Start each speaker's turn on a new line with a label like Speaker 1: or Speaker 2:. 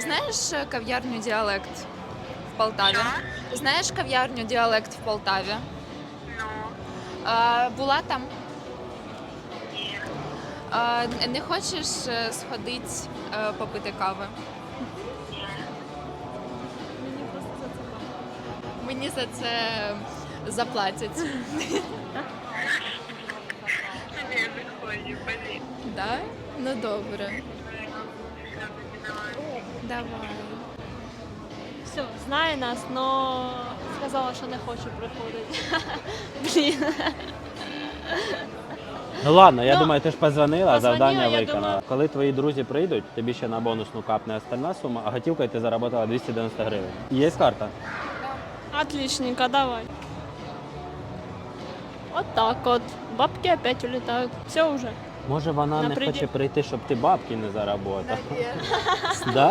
Speaker 1: знаєш кав'ярню «Діалект» в Полтаві? Знаєш кав'ярню «Діалект» в Полтаві?
Speaker 2: Ну,
Speaker 1: Була там?
Speaker 2: ні.
Speaker 1: Не хочеш сходити попити кави?
Speaker 2: Ні.
Speaker 1: Мені за це заплатять.
Speaker 2: Не виходжу, блін.
Speaker 1: Да? Ну добре.
Speaker 2: Все, давай.
Speaker 1: Давай.
Speaker 3: Все, знає нас, но сказала, що не хоче приходити. Блін.
Speaker 4: Ну ладно, я
Speaker 3: Ну,
Speaker 4: думаю, ти ж позвонила,
Speaker 3: позвонила,
Speaker 4: завдання
Speaker 3: я
Speaker 4: виконала.
Speaker 3: думаю-
Speaker 4: Коли твої друзі прийдуть, тобі ще на бонусну капне остальна сума, а готівкою ти заработала 290 гривень. Є карта?
Speaker 3: Отличненько, давай. Вот так вот. Бабки опять улетают. Все уже.
Speaker 4: Може вона не
Speaker 3: Наприді-
Speaker 4: хоче прийти, щоб ти бабки не заработав? Да?